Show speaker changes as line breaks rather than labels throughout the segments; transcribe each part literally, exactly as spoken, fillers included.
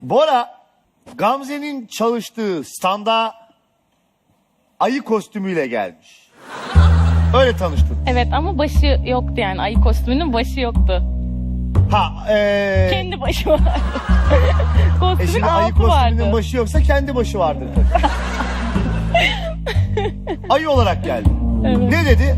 Bora, Gamze'nin çalıştığı standa ayı kostümüyle gelmiş. Öyle tanıştın.
Evet ama başı yoktu yani. Ayı kostümünün başı yoktu.
Ha, ee...
Kendi başı var.
E
Kostümün
şimdi ayı
altı
kostümünün
vardı.
başı yoksa kendi başı vardır. Ayı olarak geldi.
Evet.
Ne dedi?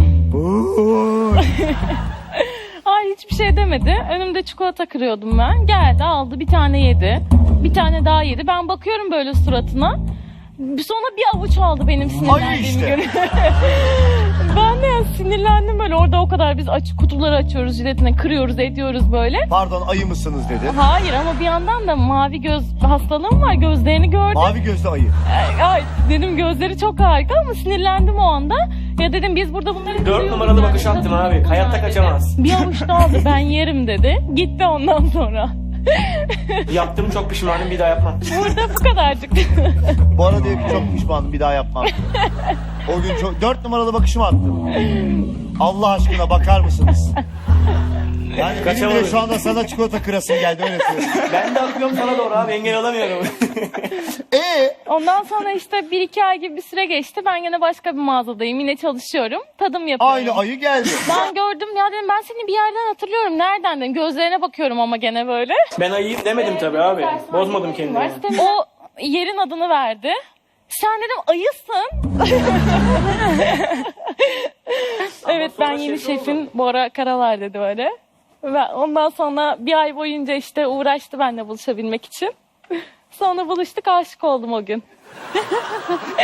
Hayır hiçbir şey demedi. Önümde çikolata kırıyordum ben. Geldi aldı bir tane yedi. Bir tane daha yedi. Ben bakıyorum böyle suratına. Sonra bir avuç aldı benim sinirlendiğimi
işte.
görüp. Ben de sinirlendim böyle. Orada o kadar biz aç, kutuları açıyoruz jiletine, kırıyoruz ediyoruz böyle.
Pardon, ayı mısınız dedi.
Hayır ama bir yandan da mavi göz hastalığım var. Gözlerini gördüm.
Mavi gözlü ayı.
Ay, dedim gözleri çok harika ama sinirlendim o anda. Ya dedim biz burada bunları
Dört
kırıyoruz
numaralı
yani.
bakış attım abi. Hayatta kaçamaz.
Bir avuç da aldı ben yerim dedi. Gitti ondan sonra.
Yaptım, çok pişmanım, bir daha yapmam.
Burada bu kadarcık.
Bu arada diyor ki çok pişmanım, bir daha yapmam. O gün çok... Dört numaralı bakışımı attım. Allah aşkına bakar mısınız? Yani benim bile
Kaçamadım.
şu anda sana çikolata kırasım geldi, öyle söyleyeyim.
Ben de akıyorum sana doğru abi, engel olamıyorum.
Ee,
Ondan sonra işte bir iki ay gibi bir süre geçti. Ben yine başka bir mağazadayım. Yine çalışıyorum. Tadım yapıyorum.
aynı ayı geldi.
Ben gördüm ya dedim ben seni bir yerden hatırlıyorum. Nereden dedim. Gözlerine bakıyorum ama gene böyle.
Ben ayıyım demedim tabii abi. Bozmadım kendimi.
O yerin adını verdi. Sen dedim ayısın. Evet ben yeni şefin Bora Karalar dedi öyle. Ve ondan sonra bir ay boyunca işte uğraştı benimle buluşabilmek için. Sonra buluştuk, aşık oldum o gün.